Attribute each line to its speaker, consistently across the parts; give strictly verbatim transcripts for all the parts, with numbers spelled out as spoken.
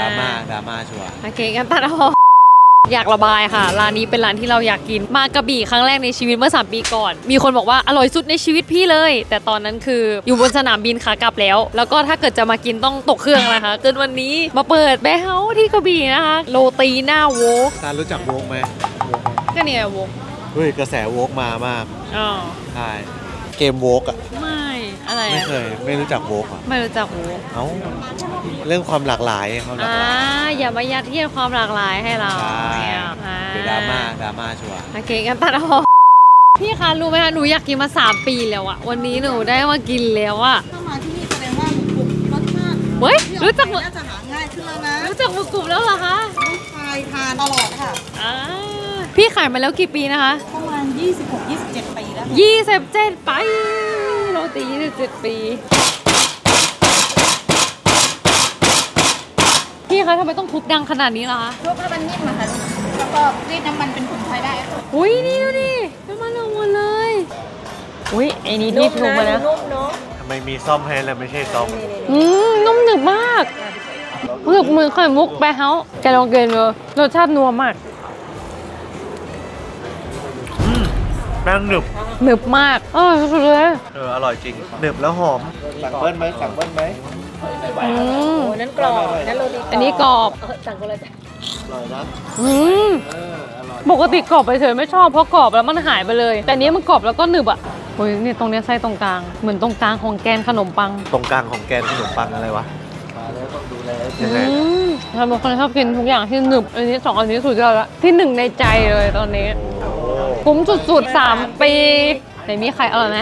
Speaker 1: ม่าดราม่าชัวร์
Speaker 2: โอเคกันตัดออกอยากระบายค่ะร้านนี้เป็นร้านที่เราอยากกินมากระบี่ครั้งแรกในชีวิตเมื่อสามปีก่อนมีคนบอกว่าอร่อยสุดในชีวิตพี่เลย แต่ตอนนั้นคืออยู่บนสนามบินขากลับแล้วแล้วก็ถ้าเกิดจะมากินต้องตกเครื่องนะคะจนวันนี้มาเปิดแบร์เฮาส์ที่กระบี่นะคะโรตีหน้าโวก
Speaker 1: ตารู้จักโวกไหม
Speaker 2: ก็เนี่ยโวก
Speaker 1: เฮ้ยกระแสโวกมามาก
Speaker 2: อ๋อ
Speaker 1: ใช่เกมโวกอ่ะ
Speaker 2: ไม่อะไร
Speaker 1: ไม่เคยไม่รู้จักโวกอ่ะ
Speaker 2: ไม่รู้จักโวก
Speaker 1: เอ้าเรื่องความหลากหลายความหลากหลาย
Speaker 2: อย่ามายัดเยียดความหลากหลายให้เรา
Speaker 1: เดี๋ยวดราม่าดราม่าชัวร์
Speaker 2: โอเคกันตัดออกพี่คะรู้ไหมคะหนูอยากกินมาสามปีแล้วอะวันนี้หนูได้มากินแล้วอะ
Speaker 3: ถ้ามาที่นี่แสดงว่าหมูกรุบรสชาติ
Speaker 2: เฮ้ยรู้จัก
Speaker 3: น่าจะหาง่ายขึ้นแล้วนะ
Speaker 2: รู้จักหมูกรุบแล้วเหรอคะ
Speaker 3: ลูกชายทานตลอดค่ะ
Speaker 2: พี่ขายมาแล้วกี่ปีนะคะ
Speaker 3: ประมาณ ยี่สิบหก ยี่สิบเจ็ด ปีแล้ว
Speaker 2: ยี่สิบเจ็ดปีโรตียี่สิบเจ็ดปีพี่คะทำไมต้องทุบดังขนาดนี้ล่ะคะ
Speaker 3: ทุบแล้วมันนิ่มอะค่ะแล้วก็รีดน้ำมันเป็นผงไฟได้
Speaker 2: อุ้ยนี่ดูดิน้ำมันลงหมดเลยอุ้ยไอ้นี่รีบทุบมาแล้ว
Speaker 1: ทำไมมีซ่อมให้แล้วไม่ใช่ซ่อม
Speaker 2: อืมนุ่มหนึบมากรู้สึกเหมือนไข่มุกแบร์เฮาส์แกลองกินเลยรสชาตินัวมาก
Speaker 1: แป้งหนึบ
Speaker 2: หนึบมากเออสุดเลย
Speaker 1: เอออร่อยจริงหนึบแล้วหอมสั่งเบิ้ลไหมสั่งเบิ้ลไหม
Speaker 2: อืม
Speaker 3: นั่นกรอบนั่นโรตี
Speaker 2: อันนี้กรอบ
Speaker 3: สั่งก็เลยจ้ะ
Speaker 1: อร่อยนะ
Speaker 2: อืมปกติกรอบไปเฉยไม่ชอบเพราะกรอบแล้วมันหายไปเลยแต่นี้มันกรอบแล้วก็หนึบอ่ะโอ้ยนี่ตรงนี้ไส้ตรงกลางเหมือนตรงกลางของแกนขนมปัง
Speaker 1: ตรงกลางของแกนขนมปังอะไรวะมาแล้วต้องดูแลยังไง
Speaker 2: ทำเป็นคนชอบกินทุกอย่างที่หนึบอันนี้สองอันนี้สุดยอดแล้วที่หนึ่งในใจเลยตอนนี้คุ้มสุดๆสามปีไหนมีไข่อร่อยไหม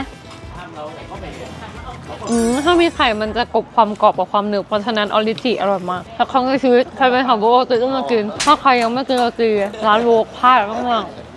Speaker 2: อืมถ้ามีไข่มันจะกลบความกรอบกับความหนึบเพราะฉะนั้นออริจิอร่อยมากถ้าครั้งในชีวิตใครไปหาโบโอติต้องมากินถ้าใครยังไม่กินโรตีร้านโวกพลาดมาก